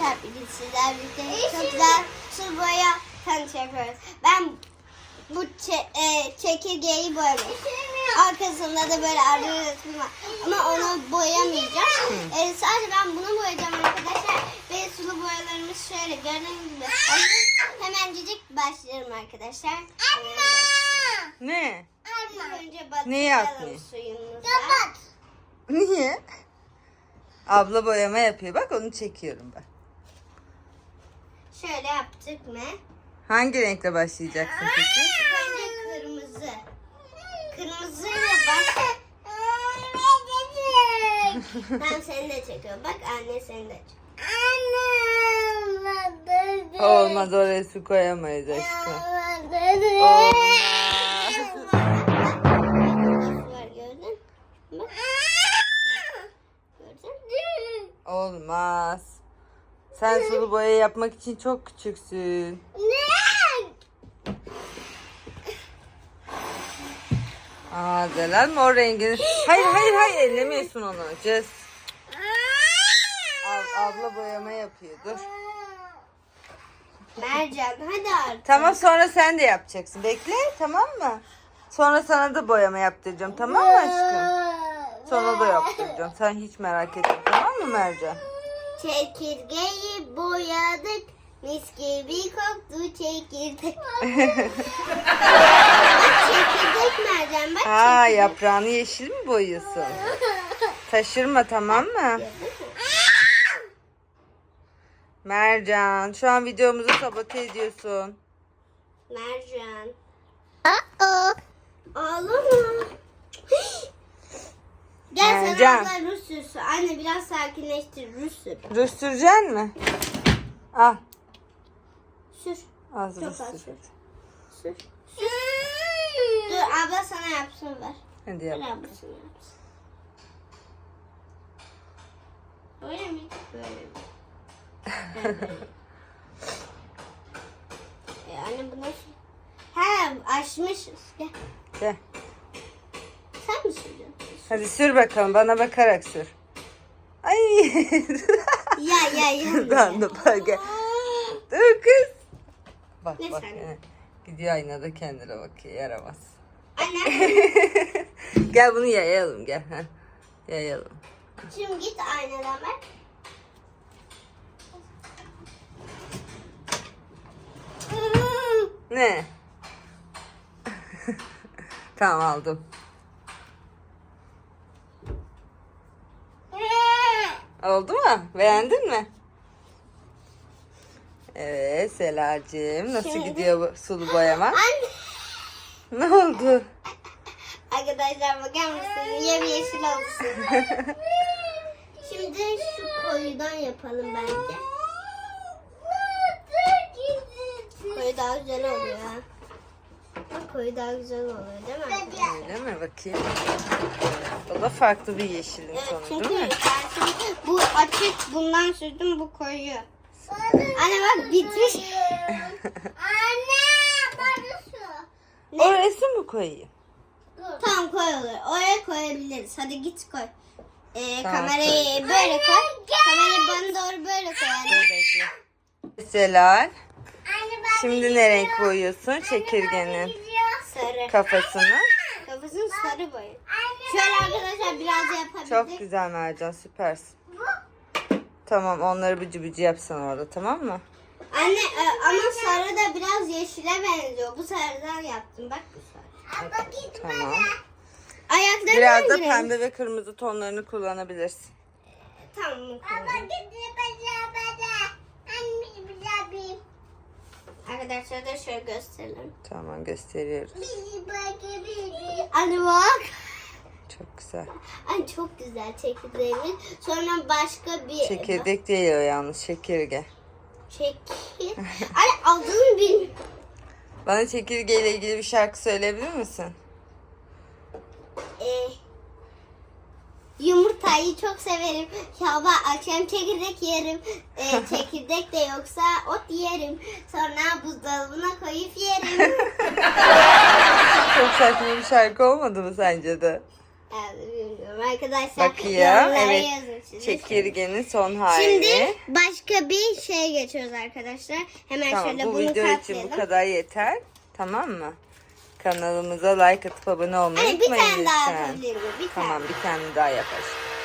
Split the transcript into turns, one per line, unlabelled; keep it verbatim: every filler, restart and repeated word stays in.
arkadaşlar bugün sizlerle birlikte çok güzel sulu boya tanıtı yapıyoruz. Ben bu çe e, çekirgeyi boyadım. Arkasında da böyle arı resmi var. Ama onu boyamayacağım. E, sadece ben bunu boyayacağım arkadaşlar. Ve sulu boyalarımız şöyle gördüğünüz gibi. Hemencik başlıyorum arkadaşlar.
Ne?
Önce
Neyi
batıralım
atmayayım?
suyumuza.
Niye? Abla boyama yapıyor. Bak onu çekiyorum ben.
Şöyle yaptık mı?
Hangi renkle başlayacaksın peki?
Önce kırmızı. Kırmızıyla baş... Ben seni de çekiyorum. Bak anne seni de çekiyor.
Olmaz, oraya su koyamayız aşkım. Olmaz.
Nasıl var gördün? Bak. Gördün?
Olmaz. Sen sulu boya yapmak için çok küçüksün. Aa, Zelal mor rengini. Hayır hayır hayır, ellemiyorsun onu. Just. Ab abla boyama yapıyor. Dur.
Mercan hadi artık.
Tamam, sonra sen de yapacaksın. Bekle, tamam mı? Sonra sana da boyama yaptıracağım, tamam mı aşkım? Sana da yaptıracağım. Sen hiç merak etme, tamam mı Mercan?
Çekirgeyi boyadık. Mis gibi koktu çekirdek. Bak çekirdek Mercan bak.
Ha,
çekirdek.
yaprağını yeşil mi boyuyorsun? Taşırma, tamam mı? Mercan, şu an videomuzu sabote ediyorsun.
Mercan. Aa. Ağlama. Gel
Mercan.
sana abla Rus sürsün. Anne biraz sakinleştir. Rus sür.
Rus süreceksin mi? Al.
Sür.
Az
Çok
Rus
az
sür.
sür. Sür. Sür. Dur abla sana yapsın ver.
Hadi
Ver
yap.
ablasına yapsın. Böyle mi? Böyle mi? Böyle. e anne bu nasıl? He açmışız. Gel.
Gel.
Sen mi sürdün?
Hadi sür bakalım, bana bakarak sür. Ay.
Ya ya ya.
Ben de bak, gel. Dur kız. Bak
Ne
bak.
sen?
Yani. Gidiyor aynada kendine bakıyor, yaramaz.
Anne.
Gel bunu yayalım, gel. Heh. Yayalım.
Şimdi git aynadan bak.
Ne? Tamam, aldım. Oldu mu? Beğendin mi? Evet Selacığım, nasıl
Şimdi-
gidiyor bu sulu boyama?
Anne.
Ne oldu?
Arkadaşlar bakar mısın? Yemyeşil olsun. Şimdi şu koyudan yapalım bence. Koyu daha güzel oluyor. Ha. Bak koyu daha güzel oluyor değil mi? arkadaşlar?
Öyle mi? Bakayım. O da farklı bir yeşilin
Evet
tonu
çünkü
değil mi?
ben şimdi bu açık bundan sürdüm bu koyu. Anne bak bitmiş. Anne bana su.
Oraya su mu koyayım?
Tamam koy olur. Oraya koyabiliriz. Hadi git koy. Ee,
Tamam,
kamerayı böyle koy. Kamerayı bana doğru böyle koy. anne.
Dur bekle. Selal, şimdi ne renk boyuyorsun çekirgenin
Sarı.
kafasını?
Kafasını sarı boyun. Şöyle arkadaşlar biraz da yapabiliriz.
Çok güzel Mercan, süpersin. Tamam, onları bıcı bıcı yapsan orada, tamam mı?
Anne e, ama sarı da biraz yeşile benziyor. Bu sarıdan yaptım. Bak bu sarı.
Tamam.
Ayaklarını
Biraz da
hangi renk?
pembe ve kırmızı tonlarını kullanabilirsin.
Tamam mı? Arkadaşlar da şöyle gösterelim.
Tamam, gösteriyoruz.
Anne bak.
Çok güzel.
Ay çok güzel çekirdeğimiz. Sonra başka bir
Çekirdek değil o, yalnız çekirge.
çekir. Anne adını bilmiyorum.
Bana çekirgeyle ilgili bir şarkı söyleyebilir misin?
Ee, yumurtayı çok severim. Sabah akşam çekirdek yerim. Ee, çekirdek de yoksa ot yerim. Sonra buzdolabına koyup yerim.
Çok saçma bir şarkı olmadı mı sence de?
Yani bilmiyorum arkadaşlar.
Bakayım.
yorumlara
Evet.
yazın siz de.
Çekirgenin son hali.
Şimdi başka bir şeye geçiyoruz arkadaşlar. Hemen
Tamam,
şöyle
bu
bunu
video için
katlayalım.
bu kadar yeter. Tamam mı? Kanalımıza like atıp abone olmayı
Hani bir
unutmayın
tane daha
lütfen.
atabilir miyim? Bir
Tamam,
tane.
bir tane daha yap aşkım.